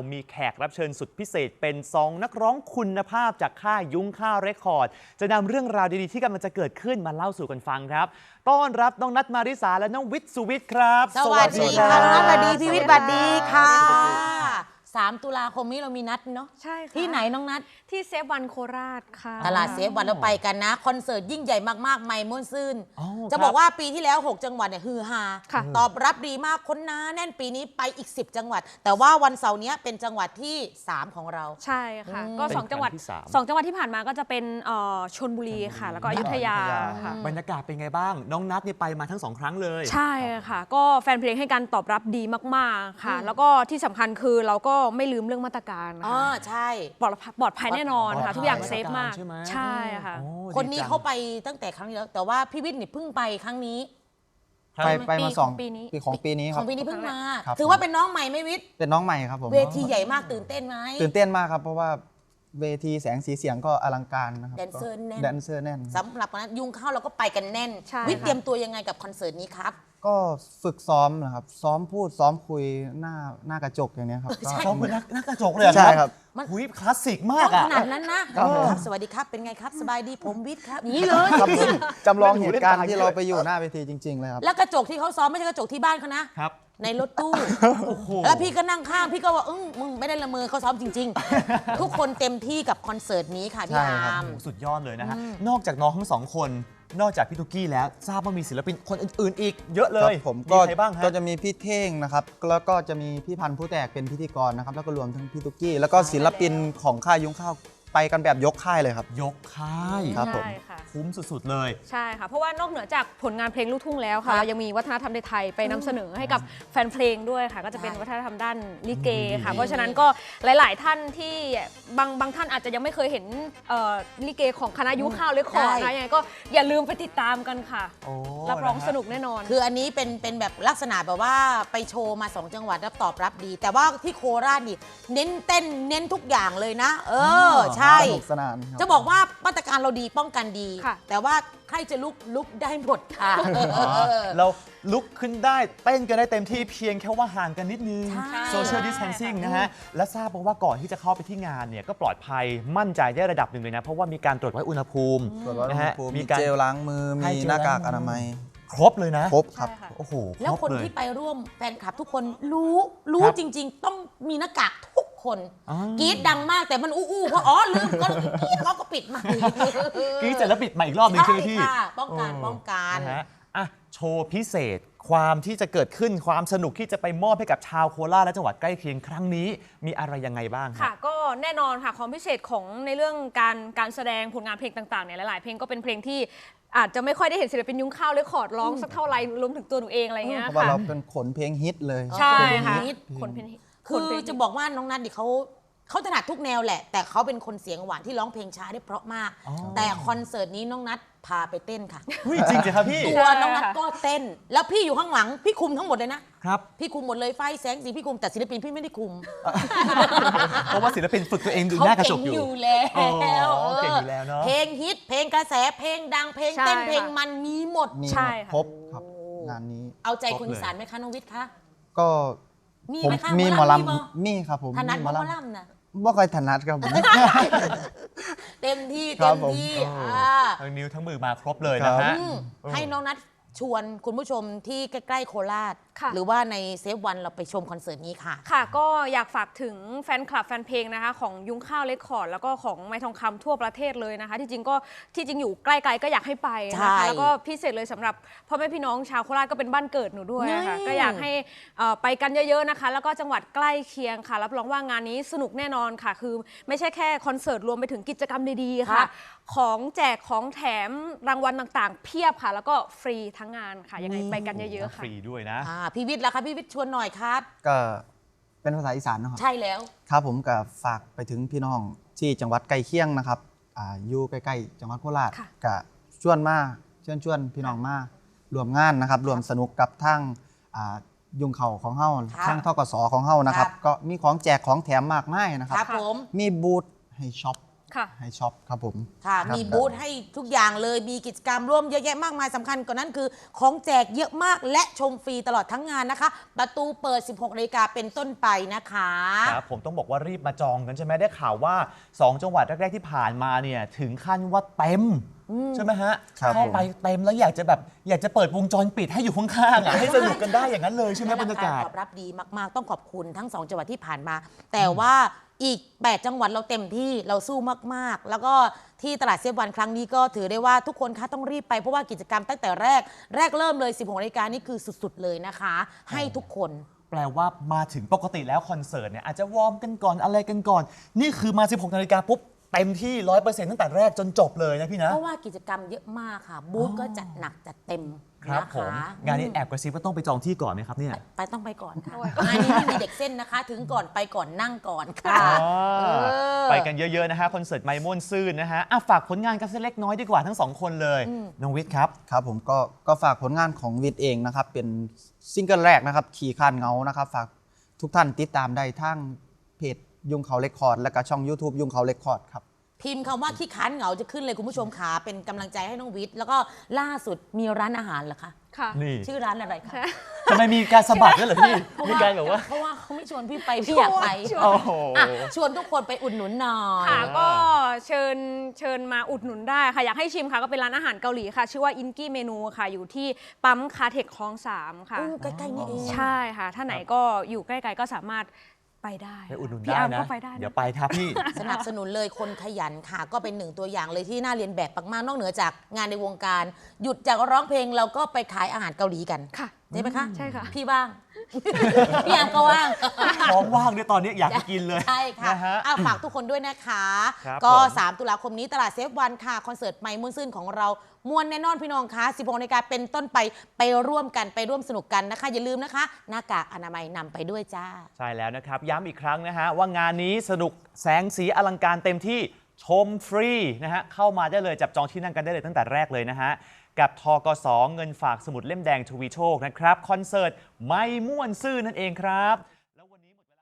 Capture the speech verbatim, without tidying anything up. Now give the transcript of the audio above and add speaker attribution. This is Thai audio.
Speaker 1: มีแขกรับเชิญสุดพิเศษเป็นสองนักร้องคุณภาพจากค่ายยุ้งข้าวเรคคอร์ดจะนำเรื่องราวดีๆที่กำลังจะเกิดขึ้นมาเล่าสู่กันฟังครับต้อนรับน้องนัทมาริสาและน้องวิทย์สุวิทย์ครับ
Speaker 2: สวัสดีค่ะน้องสวัสดีพี่วิทย์สวัสดีค่ะสามตุลาคมนี้เรามีนัดเนาะ
Speaker 3: ใช่ค่ะ
Speaker 2: ที่ไหนน้องนัด
Speaker 3: ที่เซฟวันโคราชค่ะ
Speaker 2: ตลาดเซฟวันเราไปกันนะคอนเสิร์ตยิ่งใหญ่มากๆไม่ม่วนซื่นจะบอกว่าปีที่แล้วหกจังหวัดเนี่ยฮือฮาตอบรับดีมากคนหนาแน่นปีนี้ไปอีกสิบจังหวัดแต่ว่าวันเสาร์นี้เป็นจังหวัดที่สามของเรา
Speaker 3: ใช่ค่ะก็สองจังหวัดสองจังหวัดที่ผ่านมาก็จะเป็นชลบุรีค่ะแล้วก็อยุธยาค่ะ
Speaker 1: บรรยากาศเป็นไงบ้างน้องนัทนี่ไปมาทั้งสองครั้งเลย
Speaker 3: ใช่ค่ะก็แฟนเพลงให้การตอบรับดีมากๆค่ะแล้วก็ที่สำคัญคือเราก็ไม่ลืมเรื่องมาตรการ
Speaker 2: อ๋อใช่
Speaker 3: ปลอดปลอดภัยแน่นอนค่ะทุกอย่างเซฟมากใช่ค่ะ
Speaker 2: คนนี้เขาไปตั้งแต่ครั้งนี้แล้วแต่ว่าพี่วิทย์นี่เพิ่งไปครั้งนี้
Speaker 4: ไปไปมาสอง
Speaker 3: ปีนี้
Speaker 4: ของปีนี้ครับ
Speaker 2: ของปีนี้เพิ่งมาถือว่าเป็นน้องใหม่ไหมวิทย์
Speaker 4: เป็นน้องใหม่ครับผม
Speaker 2: เวทีใหญ่มากตื่นเต้นไหม
Speaker 4: ตื่นเต้นมากครับเพราะว่าเวทีแสงสีเสียงก็อลังการนะครับ
Speaker 2: แดนเซอร์แน่น
Speaker 4: แดนเซอร์แน่น
Speaker 2: สำหรับนั้นยุงเข้าเราก็ไปกันแน่นวิทย์เตรียมตัวยังไงกับคอนเสิร์ตนี้ครับ
Speaker 4: ก็ฝึกซ้อมนะครับซ้อมพูดซ้อมคุยหน้าหน้ากระจกอย่างนี้ครับ
Speaker 1: ซ้อมเป็นหน้ากระจกเลย
Speaker 4: ใช่ครับ
Speaker 1: หุยคลาสสิกมาก
Speaker 2: อะขนาดนั้นนะสวัสดีครับเป็นไงครับสบายดีผมวิทย์ครับนี่เลย
Speaker 4: จำลองเหตุการณ์ที่เราไปอยู่หน้าเวทีจริงๆเลยครับ
Speaker 2: แล้วกระจกที่เขาซ้อมไม่ใช่กระจกที่บ้านเขานะครับในรถตู้แล้วพี่ก็นั่งข้างพี่ก็ว่าอึ้งมึงไม่ได้ละเมอเขาซ้อมจริงๆทุกคนเต็มที่กับคอนเสิร์ตนี้ค่ะพี่อาร์ม
Speaker 1: สุดยอดเลยนะฮะนอกจากน้องทั้งสองคนนอกจากพี่ตุ๊กกี้แล้วทราบว่ามีศิลปินคนอื่นๆอีกเยอะเลย
Speaker 4: ผมก็ก็จะมีพี่เท่งนะครับแล้วก็จะมีพี่พันธุ์ผู้แตกเป็นพิธีกรนะครับแล้วก็รวมทั้งพี่ตุ๊กกี้แล้วก็ศิลปินของค่ายยุ้งข้าวไปกันแบบยกค่ายเลยครับ
Speaker 1: ยกค่าย
Speaker 4: ครับผม
Speaker 1: คุ้มสุดๆเลย
Speaker 3: ใช่ค่ะเพราะว่านอกเหนือจากผลงานเพลงลูกทุ่งแล้วค่ะเรายังมีวัฒนธรรมไทยไปนำเสนอให้กับแฟนเพลงด้วยค่ะก็จะเป็นวัฒนธรรมด้านลิเกค่ะเพราะฉะนั้นก็หลายๆท่านที่บางบางท่านอาจจะยังไม่เคยเห็นลิเกของคณะยุ้งข้าวเรคคอร์ดนะยังไงก็อย่าลืมไปติดตามกันค่ะรับรองสนุกแน่นอน
Speaker 2: คืออันนี้เป็นเป็นแบบลักษณะแบบว่าไปโชว์มาสองจังหวัดแล้วตอบรับดีแต่ว่าที่โคราชนี่เน้นเต้นเน้นทุกอย่างเลยนะเออใช่จะบอกว่ามาตรการเราดีป้องกันดีแต่ว่าใครจะลุกลุกได้หมดค่ะ
Speaker 1: เราลุกขึ้นได้เต้นกันได้เต็มที่เพียงแค่ว่าห่างกันนิดนึง social distancing นะฮะและทราบว่าก่อนที่จะเข้าไปที่งานเนี่ยก็ปลอดภัยมั่นใจได้ระดับหนึ่งเลยนะเพราะว่ามีการตรวจวัดอุณหภูมิ
Speaker 4: นะฮะมีเจลล้างมือมีหน้ากากอนามัย
Speaker 1: ครบเลยนะ
Speaker 4: ครบครับ
Speaker 1: โอ้โห
Speaker 2: แล้วคนที่ไปร่วมแฟนคลับทุกคนรู้รู้จริงๆต้องมีหน้ากากทุกคนกรี๊ดดังมากแต่มันอู้ๆเพราะอ๋อลืมก็เขาก็ปิดมาก
Speaker 1: รี๊ดเสร็จแล้วปิดมาอีกรอบนึงใช่ไหมพี่
Speaker 2: ป้องกันป้องกัน
Speaker 1: นะฮะอ่ะโชว์พิเศษความที่จะเกิดขึ้นความสนุกที่จะไปมอบให้กับชาวโคราชและจังหวัดใกล้เคียงครั้งนี้มีอะไรยังไงบ้าง
Speaker 3: ค่ะก็แน่นอนค่ะความพิเศษของในเรื่องการการแสดงผลงานเพลงต่างๆเนี่ยหลายๆเพลงก็เป็นเพลงที่อาจจะไม่ค่อยได้เห็นศิลปินยุ้งข้าวเรคคอร์ดร้องสักเท่าไหร่รวมถึงตัวหนูเองอะไรเงี้ยค่ะ
Speaker 4: เพราะว่าเราเป็นขนเพลงฮิตเลย
Speaker 3: ใช่ค่ะ
Speaker 2: ขนเพลงคือจะบอกว่าน้องนัทดิเขาเขาถนัดทุกแนวแหละแต่เขาเป็นคนเสียงหวานที่ร้องเพลงช้าได้เพราะมากแต่คอนเสิร์ตนี้น้องนัทพาไปเต้นค่ะ
Speaker 1: จริงจริงครับพี่
Speaker 2: ตัวน้องนัทก็เต้นแล้วพี่อยู่ข้างหลังพี่คุมทั้งหมดเลยนะครับพี่คุมหมดเลยไฟแสงสีพี่คุมแต่ศิลปินพี่ไม่ได้คุม
Speaker 1: เพราะว่าศิลปินฝึกตัวเองดูหน้ากระจกอยู่
Speaker 2: แล้ว
Speaker 1: เก่งอยู่แล้วเนาะ
Speaker 2: เพลงฮิตเพลงกระแสเพลงดังเพลงเต้นเพลงมันมีหมด
Speaker 4: ใช่ครบครับงานนี้
Speaker 2: เอาใจคนอีสานไหมคะน้องวิทย์คะ
Speaker 4: ก็
Speaker 2: มีไหมคะ
Speaker 4: มีหมอลำมีครับผม
Speaker 2: ถนัดหมอลำนะ
Speaker 4: บ่ค่อยถนัดครับผม
Speaker 2: เต็มที่เต็มที่
Speaker 1: ทั้งนิ้วทั้งมือมาครบเลยนะฮะ
Speaker 2: ให้น้องนัทชวนคุณผู้ชมที่ใกล้ๆโคราชหรือว่าในเซฟวันเราไปชมคอนเสิร์ตนี้ค่ะ
Speaker 3: ค่ะก็อยากฝากถึงแฟนคลับแฟนเพลงนะคะของยุ้งข้าวเรคคอร์ดแล้วก็ของไม้ทองคำทั่วประเทศเลยนะคะที่จริงก็ที่จริงอยู่ใกล้ๆก็อยากให้ไปนะคะแล้วก็พิเศษเลยสำหรับพ่อแม่พี่น้องชาวโคราชก็เป็นบ้านเกิดหนูด้วยค่ะก็อยากให้ไปกันเยอะๆนะคะแล้วก็จังหวัดใกล้เคียงค่ะรับรองว่างานนี้สนุกแน่นอนค่ะคือไม่ใช่แค่คอนเสิร์ตรวมไปถึงกิจกรรมดีๆค่ะของแจกของแถมรางวัลต่างๆเพียบค่ะแล้วก็ฟรีทั้งงานค่ะยังไงไปกันเยอะๆค่ะ
Speaker 1: ฟรีด้วยนะ
Speaker 2: พี่วิทย์ล่ะคะพี่วิทย์ชวนหน่อยครับ
Speaker 4: ก็เป็นภาษาอีสานนะครับ
Speaker 2: ใช่แล้ว
Speaker 4: ครับผมก็ฝากไปถึงพี่น้องที่จังหวัดใกล้เคียงนะครับอยู่ใกล้ๆจังหวัดโคราชก็ชวนมาเชิญชวนพี่น้องมารวมงานนะครับรวมสนุกกับทั้งยุงเข่าของเฮ้าทั้งทกสของเฮ้านะครับก็มีของแจกของแถมมากมายนะครับมีบูธให้ช็อป
Speaker 3: ค่ะ
Speaker 4: ให้ช็อปครับผม
Speaker 2: ค่ะ
Speaker 4: รับ
Speaker 2: มีบูธให้ทุกอย่างเลย มีกิจกรรมร่วมเยอะแยะมากมายสำคัญกว่านั้นคือของแจกเยอะมากและชมฟรีตลอดทั้งงานนะคะ ประตูเปิด สิบหกนาฬิกาเป็นต้นไปนะคะ
Speaker 1: ครับผมต้องบอกว่ารีบมาจองกันใช่ไหมได้ข่าวว่า สอง จังหวัดแรก ๆ ที่ผ่านมาเนี่ยถึงขั้นว่าเต็ม ใช่ไหมฮะ
Speaker 4: ครับ
Speaker 1: เข้าไปเต็มแล้วอยากจะแบบอยากจะเปิดวงจรปิดให้อยู่ข้างๆอ่ะให้สนุกกันได้อย่างนั้นเลยใช่ไหมบรรยากาศ
Speaker 2: ตอบรับดีมากๆ ต้องขอบคุณทั้งสองจังหวัดที่ผ่านมา แต่ว่าอีกแปดจังหวัดเราเต็มที่เราสู้มากๆ แล้วก็ที่ตลาดเซฟวันครั้งนี้ก็ถือได้ว่าทุกคนคะต้องรีบไปเพราะว่ากิจกรรมตั้งแต่แรกแรกเริ่มเลย สิบหกนาฬิกานี่คือสุดๆเลยนะคะ ให้ทุกคน
Speaker 1: แปลว่ามาถึงปกติแล้วคอนเสิร์ตเนี่ยอาจจะวอร์มกันก่อนอะไรกันก่อน นี่คือมา สิบหกนาฬิกาปุ๊บเต็มที่ ร้อยเปอร์เซ็นต์ ตั้งแต่แรกจนจบเลยนะพี่นะ
Speaker 2: เพราะว่ากิจกรรมเยอะมากค่ะ บูธก็จัดหนักจัดเต็ม
Speaker 1: ครับ
Speaker 2: นะ
Speaker 1: ผม
Speaker 2: คะ
Speaker 1: งานนี้แอบกระซิบว่าต้องไปจองที่ก่อนไหมครับเนี่ย
Speaker 2: ไปต้องไปก่อนค่ะ
Speaker 3: ไปก่อน
Speaker 2: งานนี้ไม่มีเด็กเส้นนะคะ ถึงก่อนไปก่อนนั่งก่อนค่ะ
Speaker 1: อ๋อ
Speaker 2: เออ
Speaker 1: ไปกันเยอะ ๆ นะฮะ คอนเสิร์ตไมม่วนซื่นนะฮะอ่ะฝากผลงานกันสักเล็กน้อยดีกว่าทั้งสองคนเลย น้องวิทย์ครับ
Speaker 4: ครับผมก็ก็ฝากผลงานของวิทย์เองนะครับ เป็นซิงเกิลแรกนะครับ ขี่คานเงานะครับ ฝากทุกท่านติดตามได้ทั้งเพจยุงเขาเรคคอร์ด และก็ช่อง YouTube ยุงเขาเรคคอร์ดครับ
Speaker 2: พิมพ์คำว่าขี้ค้านเหงาจะขึ้นเลยคุณผู้ชมขาเป็นกำลังใจให้น้องวิทย์แล้วก็ล่าสุดมีร้านอาหารเหรอคะ
Speaker 3: ค่ะ
Speaker 1: นี่
Speaker 2: ชื่อร้านอะไรคะ
Speaker 1: ทำไมมีการสะบัดด้วยเหรอพี่ มีการแบบว่า
Speaker 2: เพราะว่าเขาไม่ชวนพี่ไปพี่อยากไป
Speaker 3: ชวน
Speaker 1: โอ้โห
Speaker 2: อ่ะชวนทุกคนไปอุดหนุนหน่อย
Speaker 3: ค่ะก็เชิญเชิญมาอุดหนุนได้ค่ะ อยากให้ชิมค่ะ ก็เป็นร้านอาหารเกาหลีค่ะ ชื่อว่าอินกี้เมนูค่ะ อยู่ที่ปั๊มคาเทคคลองสามค่ะ
Speaker 2: อู้ใกล้ๆนี่เอง
Speaker 3: ใช่ค่ะ ถ้าไหนก็อยู่ใกล้ๆก็สามารถไปได้
Speaker 1: ไปอุดหนุน
Speaker 3: พี่
Speaker 1: ได้
Speaker 3: อาร์ม
Speaker 1: นะ
Speaker 3: ก็ไปได้นะ
Speaker 1: เดี๋ยวไปครับพี่
Speaker 2: สนับสนุนเลยคนขยันค่ะ ก็เป็นหนึ่งตัวอย่างเลยที่น่าเรียนแบบมากๆนอกเหนือจากงานในวงการ หยุดจากร้องเพลงเราก็ไปขายอาหารเกาหลีกัน
Speaker 3: ค่ะ
Speaker 2: ใช่ไหมคะ
Speaker 3: ใช่ค่ะ
Speaker 2: พี่ว่าง พี่อามก็ว่าง
Speaker 1: ท้องว่างด้วยตอนนี้อยากจะกินเลย
Speaker 2: ใช่ค่ะ
Speaker 1: นะฮะ
Speaker 2: อ่ะฝากทุกคนด้วยนะคะ
Speaker 1: ครับ
Speaker 2: ก็
Speaker 1: ผม
Speaker 2: สามตุลาคมนี้ตลาดเซฟวันค่ะ คอนเสิร์ตไมค์มุ่นซื่นของเรามวนแน่นอนพี่น้องคะสิบหกนาฬิกาเป็นต้นไปไปร่วมกันไปร่วมสนุกกันนะคะ อย่าลืมนะคะ หน้ากากอนามัยนำไปด้วยจ้า
Speaker 1: ใช่แล้วนะครับ ย้ำอีกครั้งนะฮะ ว่างานนี้สนุกแสงสีอลังการเต็มที่ชมฟรีนะฮะ เข้ามาได้เลยจับจองที่นั่งกันได้เลยตั้งแต่แรกเลยนะฮะ กับทกสเงินฝากสมุดเล่มแดงทวีโชคนะครับ คอนเสิร์ตไม่ม่วนซื่อนั่นเองครับ